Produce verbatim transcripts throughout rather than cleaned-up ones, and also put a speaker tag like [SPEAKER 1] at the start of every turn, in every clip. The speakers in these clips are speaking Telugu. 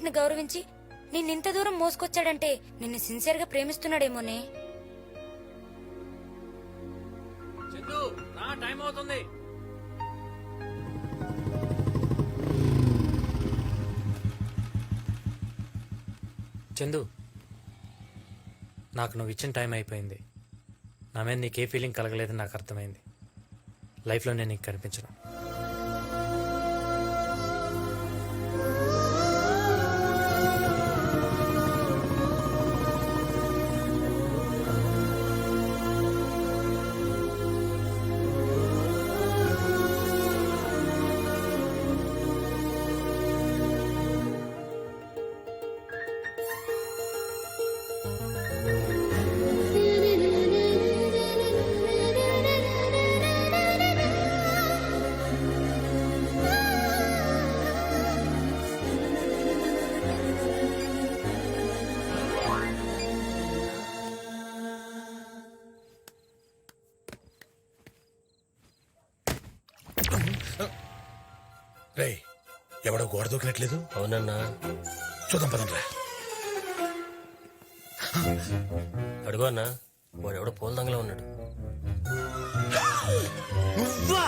[SPEAKER 1] నిన్ను గౌరవించి నిన్నింత దూరం మోసుకొచ్చాడంటే నిన్ను సిన్సియర్ గా ప్రేమిస్తున్నాడేమోనే.
[SPEAKER 2] చందు నా టైం అవుతుంది. చందు, నాకు నువ్వు ఇచ్చిన టైం అయిపోయింది. నా మీద నీకే ఫీలింగ్ కలగలేదని నాకు అర్థమైంది. లైఫ్లో నేను నీకు కనిపించను.
[SPEAKER 3] రే, ఎవడో గోడ దూకినట్లేదు.
[SPEAKER 4] అవునన్నా,
[SPEAKER 3] చూద్దాం పదండ్రా.
[SPEAKER 4] అడుగు అన్నా, వాడు ఎవడో పూల దంగలో ఉన్నాడు.
[SPEAKER 3] నువ్వా?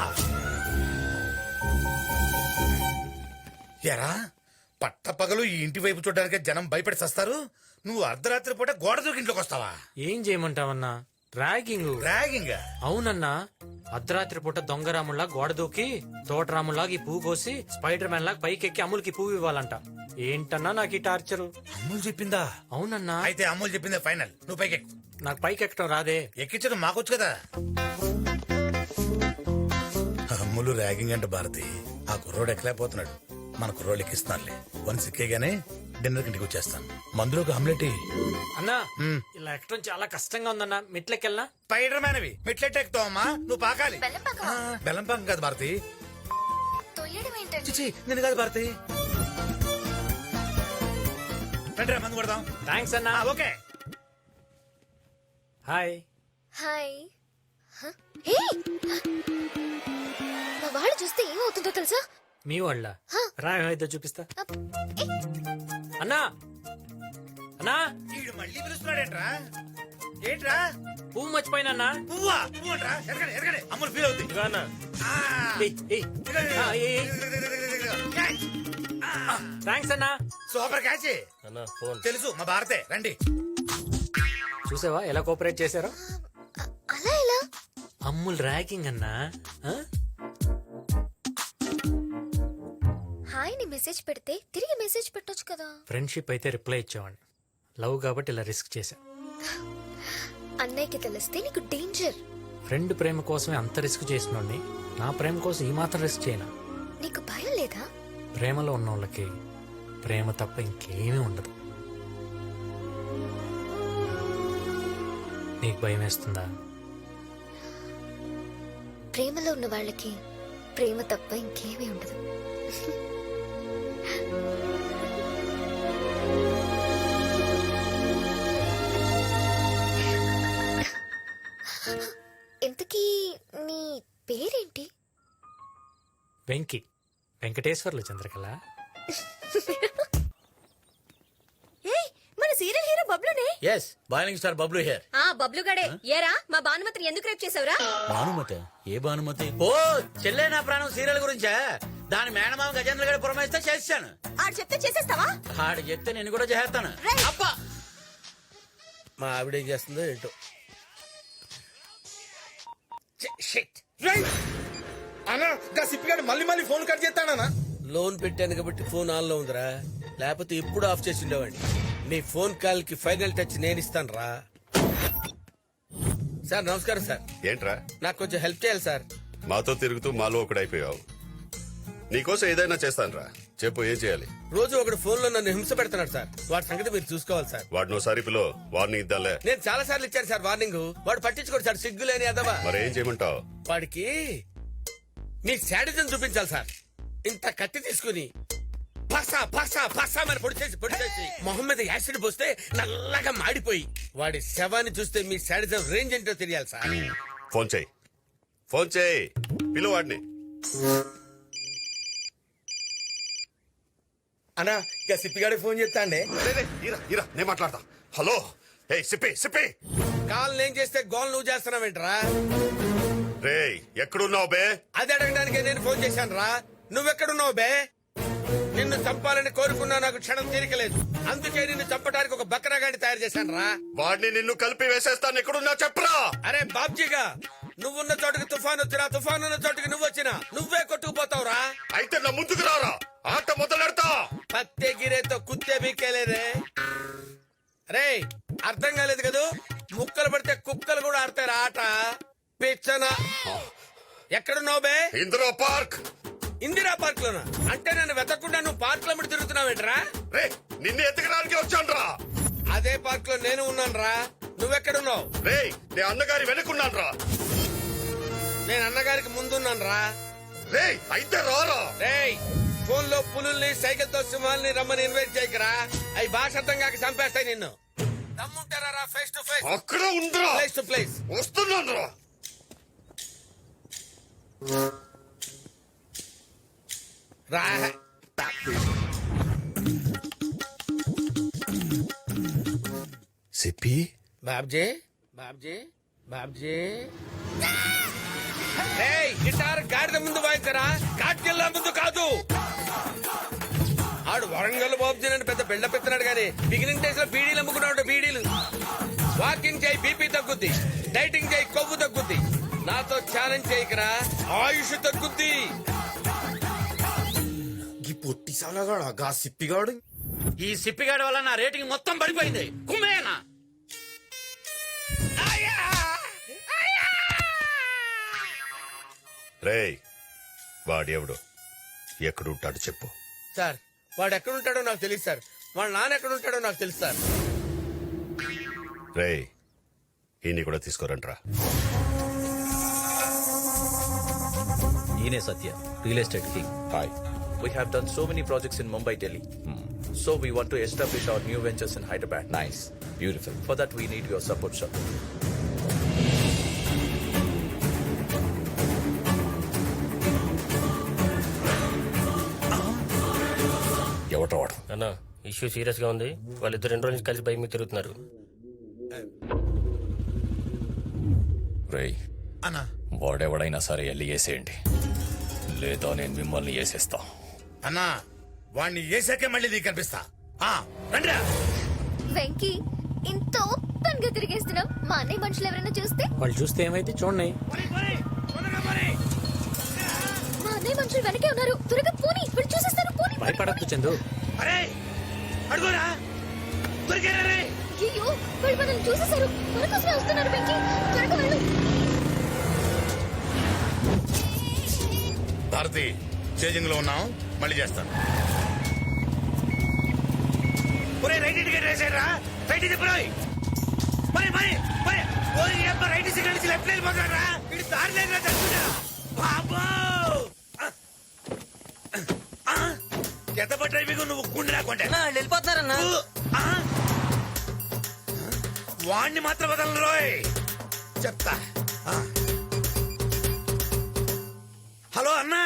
[SPEAKER 3] ఎరా, పట్ట పగలు ఈ ఇంటి వైపు చూడడానికి జనం భయపడి సస్తారు. నువ్వు అర్ధరాత్రి పూట గోడ దూకి ఇంట్లోకి వస్తావా?
[SPEAKER 2] ఏం చేయమంటావన్నా? ర్యాగింగ్.
[SPEAKER 3] ర్యాగింగ్?
[SPEAKER 2] అవునన్నా, అర్ధరాత్రి పూట దొంగరాముల్లా గోడ దూకి తోటరాముల్లాగా ఈ పువ్వు కోసి స్పైడర్ మ్యాన్ లాగా పైకి ఎక్కి అమ్ములకి పువ్వు ఇవ్వాలంట. ఏంటన్నా నాకు ఈ టార్చరు?
[SPEAKER 3] అమ్ములు చెప్పిందా?
[SPEAKER 2] అవునన్నా.
[SPEAKER 3] అయితే అమ్ములు చెప్పిందే ఫైనల్. నువ్వు పైకి ఎక్కు.
[SPEAKER 2] నాకు పైకి ఎక్కడం రాదే.
[SPEAKER 3] ఎక్కించడం మాకొచ్చు కదా. అమ్ములు ర్యాగింగ్ అంటే భారతి, ఆ కుర్రోడు ఎక్కలేకపోతున్నాడు. మన కుర్రోడు ఎక్కిస్తున్నారులే. వన్ సిక్కేగానే డిన్నర్ ఇంటికి వచ్చేస్తాను. మందులోకి ఆమ్లెట్.
[SPEAKER 2] అన్నా, ఇలా ఎక్కడం చాలా కష్టంగా ఉందన్నా. మెట్లకెళ్ళనా?
[SPEAKER 3] స్పైడర్ మ్యాన్ అవి మెట్లెట్ ఎక్కుతావు అమ్మా. నువ్వు పాకాలి. ఆ, బెల్లం పాకం కాదు భారతి. చిచి, నేను కాదు భారతి. రండిరా, మందు కొడదాం.
[SPEAKER 2] థ్యాంక్స్ అన్నా.
[SPEAKER 3] ఆ, ఓకే.
[SPEAKER 2] హాయ్.
[SPEAKER 5] హాయ్. మా వాళ్ళు చూస్తే ఏమవుతుందో తెలుసా?
[SPEAKER 2] మీ వాళ్ళ రాయితో చూపిస్తా. అన్నా, అన్నా,
[SPEAKER 3] వీడు మళ్ళీ పిలుస్తున్నాడేంట్రా? ఏంట్రా?
[SPEAKER 2] పువ్వు మర్చిపోయినా.
[SPEAKER 3] పువ్వా? పువ్వు అంట్రా? ఎరగడే, ఎరగడే. అమ్ములు ఫీల్ అవుతుంది. ఆ.
[SPEAKER 2] థ్యాంక్స్ అన్నా.
[SPEAKER 3] Super catch.
[SPEAKER 4] అన్నా ఫోన్.
[SPEAKER 3] తెలుసు, మా భారతే. రండి.
[SPEAKER 2] చూసావా ఎలా కోఆపరేట్ చేశారో?
[SPEAKER 5] అలా ఎలా?
[SPEAKER 2] అమ్ముల్ ర్యాగింగ్ అన్నా. ఆ?
[SPEAKER 5] హాయ్ ని మెసేజ్ పెడితే తిరిగి మెసేజ్ పెట్టొచ్చు కదా.
[SPEAKER 2] ఫ్రెండ్షిప్ అయితే రిప్లై ఇచ్చేవాడిని. లవ్ కాబట్టి ఇలా రిస్క్ చేశా.
[SPEAKER 5] అన్నయ్యకి తెలిస్తే నీకు డేంజర్.
[SPEAKER 2] ఫ్రెండ్ ప్రేమ కోసమే అంత రిస్క్ చేసినోడిని నా ప్రేమ కోసం ఈ మాత్రం రిస్క్ చేయనా?
[SPEAKER 5] నీకు భయం లేదా?
[SPEAKER 2] ప్రేమలో ఉన్న వాళ్ళకి ప్రేమ తప్ప ఇంకేమీ ఉండదు. నీకు భయం వేస్తుందా?
[SPEAKER 5] ప్రేమలో ఉన్న వాళ్ళకి ప్రేమ తప్ప ఇంకేమీ ఉండదు. ఇంతకీ నీ పేరేంటి?
[SPEAKER 2] వెంకీ. వెంకటేశ్వర్లు చంద్రకళ.
[SPEAKER 6] మన సీరియల్ హీరో బబ్లునే.
[SPEAKER 3] Yes, boiling star Bablu here.
[SPEAKER 6] ఆ బబ్లు గడే. ఏరా మా భానుమతిని ఎందుకు రేప్ చేసావురా?
[SPEAKER 3] భానుమతి? ఏ భానుమతి? ఓ చెల్లె నా ప్రాణం సీరియల్ గురించా? దాని మేనమామ గజేంద్ర గడి పురమాయిస్తే చేస్తాను.
[SPEAKER 6] ఆడు చెప్తే చేసేస్తావా?
[SPEAKER 3] ఆడు చెప్తే నేను కూడా చేస్తాను. అబ్బా,
[SPEAKER 4] మా ఆవిడ ఏం చేస్తుందో ఏంటో.
[SPEAKER 3] అన్నా, సిప్పిగాడు మళ్ళీ మళ్ళీ ఫోన్ కట్ చేస్తాడనా?
[SPEAKER 4] లోన్ పెట్టాను కాబట్టి ఫోన్ ఆన్ లో ఉందిరా, లేకపోతే ఎప్పుడు ఆఫ్ చేసి ఉండేవాడిని. నీ ఫోన్ కాల్ కి ఫైనల్ టచ్ నేను ఇస్తాను రా. సార్ నమస్కారం సార్.
[SPEAKER 7] ఏంట్రా?
[SPEAKER 4] నాకు కొంచెం హెల్ప్ చేయాలి సార్.
[SPEAKER 7] మాతో తిరుగుతూ మాలో ఒకడైపోయావు. నీకోసం ఏదైనా చేస్తానురా, చెప్పు ఏం చేయాలి?
[SPEAKER 4] రోజు ఒకడు ఫోన్ లో నన్ను హింస పెడుతున్నాడు సార్. వాడి సంగతి మీరు చూసుకోవాలి సార్.
[SPEAKER 7] వాడిని ఒకసారి పిలో, వార్నింగ్ ఇద్దాంలే.
[SPEAKER 4] నేను చాలా సార్లు ఇచ్చాను సార్ వార్నింగ్. వాడు పట్టించుకోడు సార్, సిగ్గులేని అదవా.
[SPEAKER 7] మరి ఏం చేయమంటావు?
[SPEAKER 4] వాడికి మీ శాడిజం చూపించాలి సార్. ఇంత కత్తి తీసుకుని పసా పసా పసా మరి పొడి చేసి పొడి చేసి మొహం మీద యాసిడ్ పోస్తే నల్లగా మాడిపోయి వాడి శవాన్ని చూస్తే మీ శాడిజం రేంజ్ ఏంటో తెలియాలి సార్.
[SPEAKER 7] ఫోన్ చేయి, ఫోన్ చేయి, పిలు వాడిని.
[SPEAKER 4] అన్నా ఇక సిప్పిగాడికి ఫోన్ చేస్తా అండి
[SPEAKER 7] రే, రే, ఈరా ఈరా నేను మాట్లాడతా. హలో ఏ సిప్పి సిప్పి
[SPEAKER 4] కాల్ నేను చేస్తే గోల్ నువ్వు చేస్తున్నావేంట్రా
[SPEAKER 7] రే ఎక్కడున్నావు బే?
[SPEAKER 4] అది అడగడానికి నేను ఫోన్ చేశాను రా నువ్వెక్కడున్నావు బే నిన్ను చంపాలని కోరుకున్నా నాకు క్షణం తీరికలేదు అందుకే నిన్ను చంపడానికి ఒక బక్రాగాడి తయారు చేశాను రా
[SPEAKER 7] వాడిని నిన్ను కలిపి వేసేస్తాను. ఎక్కడున్నా చెప్పరా?
[SPEAKER 4] అరే బాబ్జీగా నువ్వున్న చోటుకి తుఫాన్ వచ్చినా తుఫాన్ ఉన్న చోటుకి నువ్వు వచ్చినా నువ్వే కొట్టుకుపోతావురా
[SPEAKER 7] అయితే నా ముందుకు రారా, ఆట మొదలెడతా.
[SPEAKER 4] పత్తే గిరేతో కుత్తే బీకేలేరే రే అర్థం కాలేదు కదూ ముక్కలు పడితే కుక్కలు కూడా ఆడతారు ఆట పిచ్చన ఎక్కడున్నావు బే
[SPEAKER 7] ఇందిరా పార్క్.
[SPEAKER 4] ఇందిరా పార్క్ లోనా అంటే నన్ను వెతకుండా నువ్వు పార్క్ లో తిరుగుతున్నావేంట్రా
[SPEAKER 7] రే నిన్ను ఎతకడానికి వచ్చానురా.
[SPEAKER 4] అదే పార్క్ లో నేను ఉన్నాను రా నువ్వెక్కడున్నావు
[SPEAKER 7] రే నే అన్నగారి వెనుకున్నాను రా.
[SPEAKER 4] నేను అన్నగారికి ముందున్నాను రా
[SPEAKER 7] రే అయితే రారా.
[SPEAKER 4] రేయ్ ఫోన్ లో పులుల్ని సైకిల్ తో సింహాల్ని రమ్మని ఇన్వైట్ చేయకరా అవి భాష అర్థం కాక చంపేస్తాయి నిన్ను దమ్ముంటారా రా ఫేస్ టు ఫేస్
[SPEAKER 7] అక్కడ ఉందిరా.
[SPEAKER 4] ప్లేస్ టు ప్లేస్
[SPEAKER 7] వస్తున్నాను రా.
[SPEAKER 4] రా
[SPEAKER 7] సిప్పి
[SPEAKER 4] బాబ్జీ బాబ్జీ బాబ్జీ రేయ్ గిటార్ గాడిద ముందు వాయించరా కాట్కెళ్ళ ముందు కాదు ఆడు వరంగల్ బాబ్జీ అని పెద్ద బిల్డప్ ఎత్తున్నాడు గానీ బిగినింగ్ డేస్ లో బీడీలు అమ్ముకున్నాడు బీడీలు వాకింగ్ చేయి బీపీ తగ్గుద్ది డైటింగ్ చేయి కొవ్వు తగ్గుద్ది నాతో ఛాలెంజ్ చేయకరా ఆయుష్ తగ్గుద్ది
[SPEAKER 8] ఈ పొట్టి సాలగాడు గా సిప్పిగాడు
[SPEAKER 2] ఈ సిప్పిగాడి వల్ల నా రేటింగ్ మొత్తం పడిపోయింది. కుమ్మేనా
[SPEAKER 7] రే వాడెవడు ఎక్కడుంటాడు చెప్పు.
[SPEAKER 4] సార్ వాడు ఎక్కడుంటాడో నాకు తెలియదు సార్ వాళ్ళ నాన్న ఎక్కడుంటాడో నాకు తెలుసు సార్
[SPEAKER 7] రే ఈయన్ని కూడా తీసుకోరంట్రా.
[SPEAKER 9] ఈయనే Satya real estate king.
[SPEAKER 7] Hi.
[SPEAKER 9] We have done so many projects in Mumbai, Delhi. So we want to establish our new ventures in Hyderabad.
[SPEAKER 7] Nice. Beautiful.
[SPEAKER 9] For that we need your support, sir.
[SPEAKER 7] ఎవటో వాడు.
[SPEAKER 10] అన్న ఇష్యూ సీరియస్ గా ఉంది వాళ్ళిద్దరు రెండు రోజుల నుంచి కలిసి బైక్ మీద తిరుగుతున్నారు.
[SPEAKER 9] రేయ్
[SPEAKER 3] అన్నా
[SPEAKER 9] వాడెవడైనా సరే వెళ్ళి వేసేయండి లేదా నేను మిమ్మల్ని వేసేస్తా.
[SPEAKER 3] అన్నా వాణ్ణి వేసాకే మళ్ళీ నీకు కనిపిస్తా. ఆ, రండిరా.
[SPEAKER 5] వెంకీ ఇంత ఓపెన్ గా తిరిగేస్తున్నాం మా అన్నయ్య మనుషులు ఎవరైనా చూస్తే
[SPEAKER 2] వాళ్ళు చూస్తే ఏమైతే చూడండి.
[SPEAKER 5] మా అన్నయ్య మనుషులు వెనకే ఉన్నారు త్వరగా పోనీ వీళ్ళు చూసేస్తారు పోనీ
[SPEAKER 2] భయపడద్దు చందు.
[SPEAKER 3] అరే అడుగురా దొరికారా రే.
[SPEAKER 5] అయ్యో వాళ్ళు మనల్ని చూసేశారు మనకోసమే వస్తున్నారు వెంకీ త్వరగా వెళ్ళు
[SPEAKER 3] భారతి చేజింగ్ లో ఉన్నాం మళ్ళీ చేస్తాను. రైట్ టికెట్ వేసారా రైట్ తిప్పురాయి మరి మరి మరి ఓరి అబ్బ రైట్ సిగ్నల్ నుంచి లెఫ్ట్ వెళ్ళిపోతారా ఇది దారి లేదురా చచ్చుడా బాబో ఎంత డ్రైవింగ్ నువ్వు గుండె రాకుంటే
[SPEAKER 6] వెళ్ళిపోతున్నారన్నా
[SPEAKER 3] వాణ్ణి మాత్రం వదలను రోయ్ చెప్తా. ఆ. హలో అన్నా.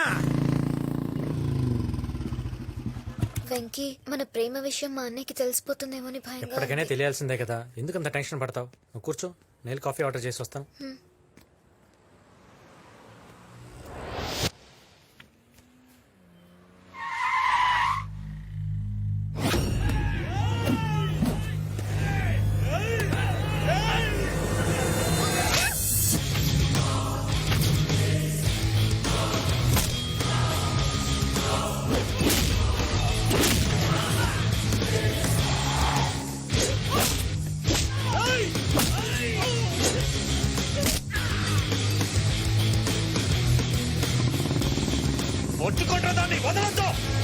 [SPEAKER 5] వెంకీ మన ప్రేమ విషయం మా అన్నయ్యకి తెలిసిపోతుందేమో అని భయంగా
[SPEAKER 2] ఎప్పటికైనా
[SPEAKER 5] ఉంది.
[SPEAKER 2] తెలియాల్సిందే కదా, ఎందుకంత టెన్షన్ పడతావు? నువ్వు కూర్చో, నేను కాఫీ ఆర్డర్ చేసి వస్తాను.
[SPEAKER 3] ఒట్టుకుంటా దాన్ని వదలొద్దు.